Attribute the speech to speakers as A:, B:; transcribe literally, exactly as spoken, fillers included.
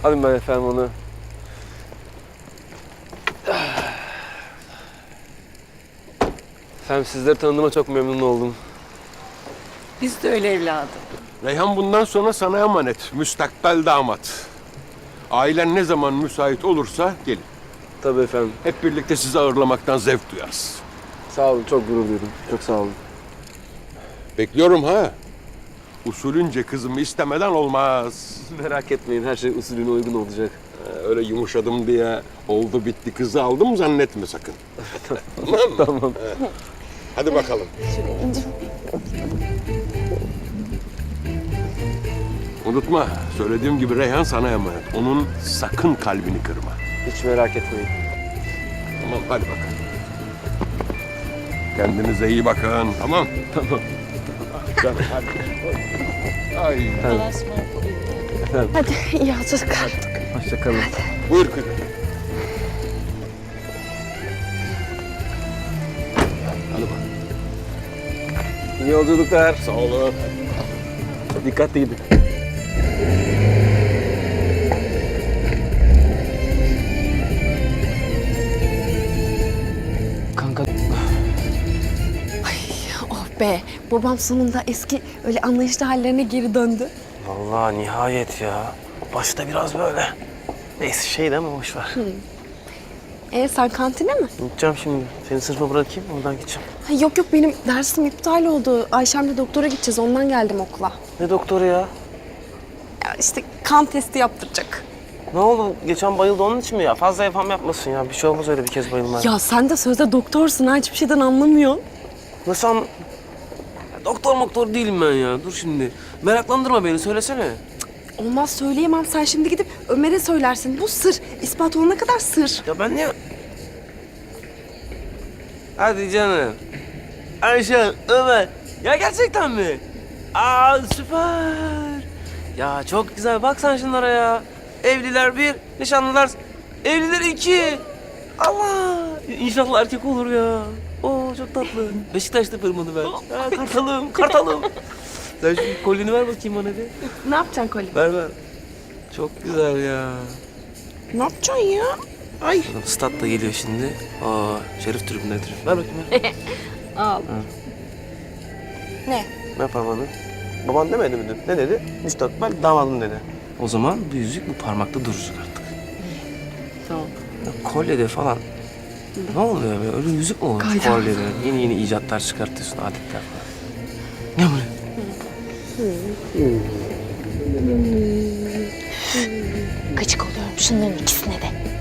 A: Alayım ben efendim onu. Efendim sizleri tanıdığıma çok memnun oldum.
B: Biz de öyle evladım.
C: Reyhan bundan sonra sana emanet. Müstakbel damat. Ailen ne zaman müsait olursa gelin.
A: Tabii efendim.
C: Hep birlikte sizi ağırlamaktan zevk duyarız.
A: Sağ olun, çok gurur duydum. Çok sağ olun.
C: Bekliyorum ha. Usulünce kızımı istemeden olmaz.
A: Merak etmeyin, her şey usulüne uygun olacak.
C: Ee, öyle yumuşadım diye oldu bitti kızı aldım zannetme sakın. Tamam mı?
A: Tamam.
C: He. Hadi bakalım. Unutma, söylediğim gibi Reyhan sana emanet. Onun sakın kalbini kırma.
A: Hiç merak etmeyin.
C: Tamam, hadi bakalım. Kendinize iyi bakın, tamam?
A: Tamam.
C: Ay.
D: Hadi iyi yolculuklar.
A: Hoşça kalın.
C: Buyur kızım. Hadi bak.
A: İyi yolculuklar.
C: Sağ olun.
A: Dikkatli gidin. Kanka
D: Oh be, babam sonunda eski öyle anlayışlı hallerine geri döndü.
E: Vallahi nihayet ya. Başta biraz böyle. Neyse şey de ama boş ver.
D: E sen kantine mi?
E: Gideceğim şimdi. Seni sınıfa bırakayım oradan gideceğim.
D: Ha, yok yok benim dersim iptal oldu. Ayşem'le doktora gideceğiz ondan geldim okula.
E: Ne doktoru ya?
D: Ya işte kan testi yaptıracak.
E: Ne oldu? Geçen bayıldı onun için mi ya? Fazla yapam yapmasın ya. Bir şey olmaz öyle bir kez bayılmaya.
D: Ya sen de sözde doktorsun ha hiçbir şeyden anlamıyorsun.
E: Nasıl an... Ya doktor moktor değilim ben ya. Dur şimdi. Meraklandırma beni. Söylesene.
D: Olmaz söyleyemem sen şimdi gidip Ömer'e söylersin. Bu sır. İspat olana kadar sır.
E: Ya ben niye... Hadi canım. Ayşe, Ömer. Ya gerçekten mi? Aa süper. Ya çok güzel. Bak sen şunlara ya. Evliler bir, nişanlılar... Evliler iki. Allah. İnşallah erkek olur ya. Oo çok tatlı. Beşiktaş'ta fırmadı ben. Ha, kartalım, kartalım. Sen şu kolyeni ver bakayım bana bir.
D: Ne yapacaksın Koli?
E: Ver ver. Çok güzel ya.
D: Ne yapacaksın ya? Ay.
E: Stat da geliyor şimdi. Aa, Şerif tribünde tribün. Ver bakayım ver.
D: Al. Ne?
E: Ver parmağını. Baban demedi mi dün? Ne dedi? Müstakbel damadım dedi. O zaman bu yüzük bu parmakta duracak artık.
D: Tamam.
E: Ya, kolyede falan. Ne oluyor be? Öyle yüzük mü olur
D: Kayda.
E: kolyede? Yeni yeni icatlar çıkartıyorsun, adetler falan. Ne bu?
D: Gıcık oluyorum şunların ikisine de.